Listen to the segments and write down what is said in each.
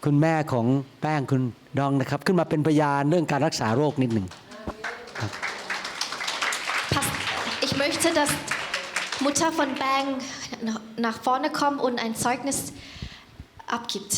คุณแม่ของแป้งคุณดองนะครับขึ้นมาเป็นพยานเรื่องการรักษาโรคนิดหนึ่งครับ Ich möchte, dass Mutter von Bang nach vorne kommt und ein Zeugnis abgibt.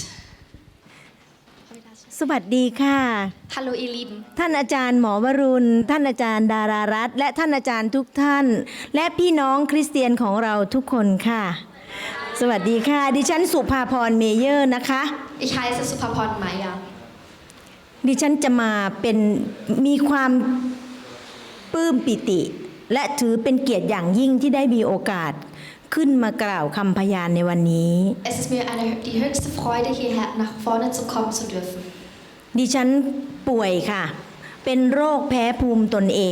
สวัสดีค่ะ Hallo ihr Lieben. ท่านอาจารย์หมอวรุณท่านอาจารย์ดารารัตน์และท่านอาจารย์ทุกท่านและพี่น้องคริสเตียนของเราทุกคนค่ะสวัสดีค่ะดิฉันสุภาพรเมเยอร์นะคะ Ich heiße Supaporn Meyer. ดิฉันจะมามีความปลื้มปิติและถือเป็นเกียรติอย่างยิ่งที่ได้มีโอกาสขึ้นมากล่าวคำพยานในวันนี้ Es ist mir die höchste Freude, hierher nach vorne zu kommen zu dürfen. ดิฉันป่วยค่ะเป็นโรคแพ้ภูมิตนเอง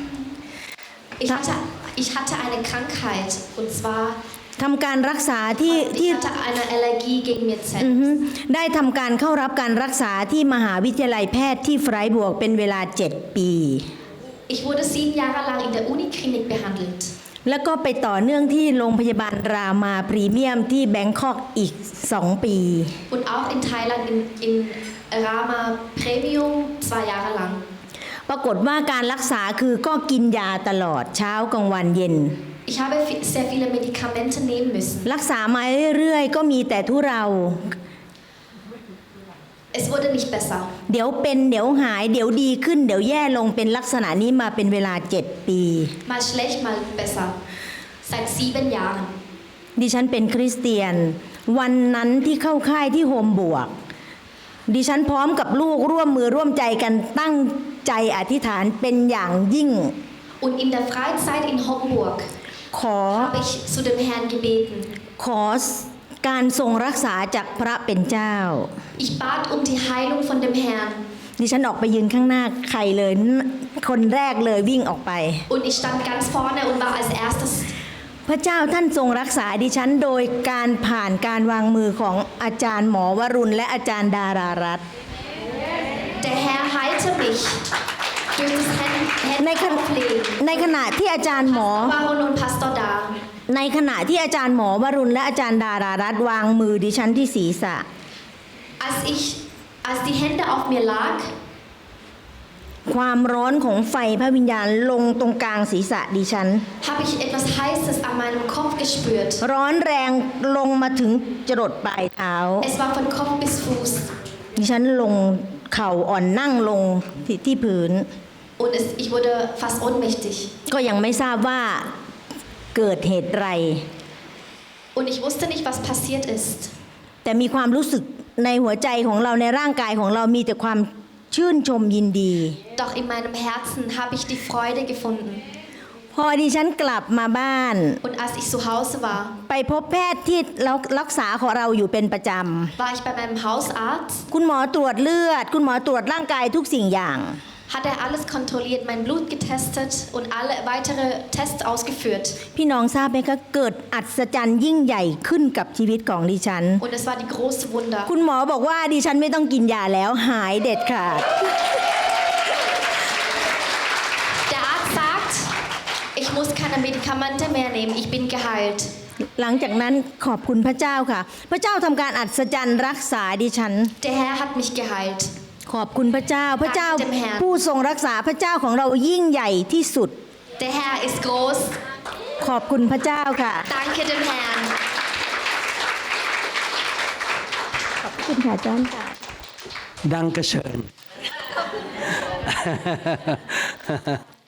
Ich hatte eine Krankheit und zwar ทำการรักษาที่ ich hatte eine Allergie gegen Mirzen. ได้ทำการเข้ารับการรักษาที่มหาวิทยาลัยแพทย์ที่ไฟรบวร์กเป็นเวลา7 ปี Ich wurde 7 Jahre lang in der Uniklinik behandelt. แล้วก็ไปต่อเนื่องที่โรงพยาบาลรามาพรีเมียมที่แบงคอกอีก2 ปี Und auch in Thailand in Rama Premium 2 Jahre lang. ปรากฏว่าการรักษาคือก็กินยาตลอดเช้ากลางวันเย็น Ich habe sehr viele Medikamente nehmen müssen. รักษามาเรื่อยๆก็มีแต่ทุเรา Es wurde nicht besser. เดี๋ยวเป็นเดี๋ยวหายเดี๋ยวดีขึ้นเดี๋ยวแย่ลงเป็นลักษณะนี้มาเป็นเวลา7 ปี Mal schlecht, mal besser. Seit 7 Jahren. ดิฉันเป็นคริสเตียนวันนั้นที่เข้าค่ายที่โฮมบวกดิฉันพร้อมกับลูกร่วมมือร่วมใจกันตั้งใจอธิษฐานเป็นอย่างยิ่ง Und in der Freizeit in Homburg ขอ habe ich zu dem Herrn gebeten. ขอการทรงรักษาจากพระเป็นเจ้า Ich bat um die Heilung von dem Herrn. ดิฉันออกไปยืนข้างหน้าใครเลยคนแรกเลยวิ่งออกไป Und ich stand ganz vorne und war als erstes. พระเจ้าท่านทรงรักษาดิฉันโดยการผ่านการวางมือของอาจารย์หมอวรุณและอาจารย์ดารารัตน์ Der Herr heilte mich durch das Händeauflegen. ในขณะที่อาจารย์หมอ Baron und Pastor da. ในขณะที่อาจารย์หมอวรุณและอาจารย์ดารารัตน์วางมือดิฉันที่ศีรษะ Als die Hände auf mir lag, ความร้อนของไฟพระวิญญาณลงตรงกลางศีรษะดิฉัน habe ich etwas Heißes an meinem Kopf gespürt. ร้อนแรงลงมาถึงจรดปลายเท้า Es war von Kopf bis Fuß. ดิฉันลงเข่าอ่อนนั่งลงที่พื้น Und ich wurde fast ohnmächtig. ก็ยังไม่ทราบว่าเกิดเหตุไร Und ich wusste nicht, was passiert ist. แต่มีความรู้สึกในหัวใจของเราในร่างกายของเรามีแต่ความชื่นชมยินดี Doch in meinem Herzen habe ich die Freude gefunden. พอดิฉันกลับมาบ้าน Und als ich zu Hause war, ไปพบแพทย์ที่รักษาของเราอยู่เป็นประจ war ich bei meinem Hausarzt. ำคุณหมอตรวจเลือดคุณหมอตรวจร่างกายทุกสิ่งอย่าง Hat er alles kontrolliert, mein Blut getestet und alle weitere Tests ausgeführt. พี่น้องทราบไหมคะเกิดอัศจรรย์ยิ่งใหญ่ขึ้นกับชีวิตของดิฉัน Und es war die große Wunder. คุณหมอบอกว่าดิฉันไม่ต้องกินยาแล้วหายเด็ดขาด Der Arzt sagt, ich muss keine Medikamente mehr nehmen, ich bin geheilt. หลังจากนั้นขอบคุณพระเจ้าค่ะพระเจ้าทำการอัศจรรย์รักษาดิฉัน Der Herr hat mich geheilt. ขอบคุณพระเจ้าพระเจ้าผู้ทรงรักษาพระเจ้าของเรายิ่งใหญ่ที่สุด Der Herr ist groß. ขอบคุณพระเจ้าค่ะ Danke dem Herrn. ขอบคุณค่ะอาจารย์ค่ะ Dankeschön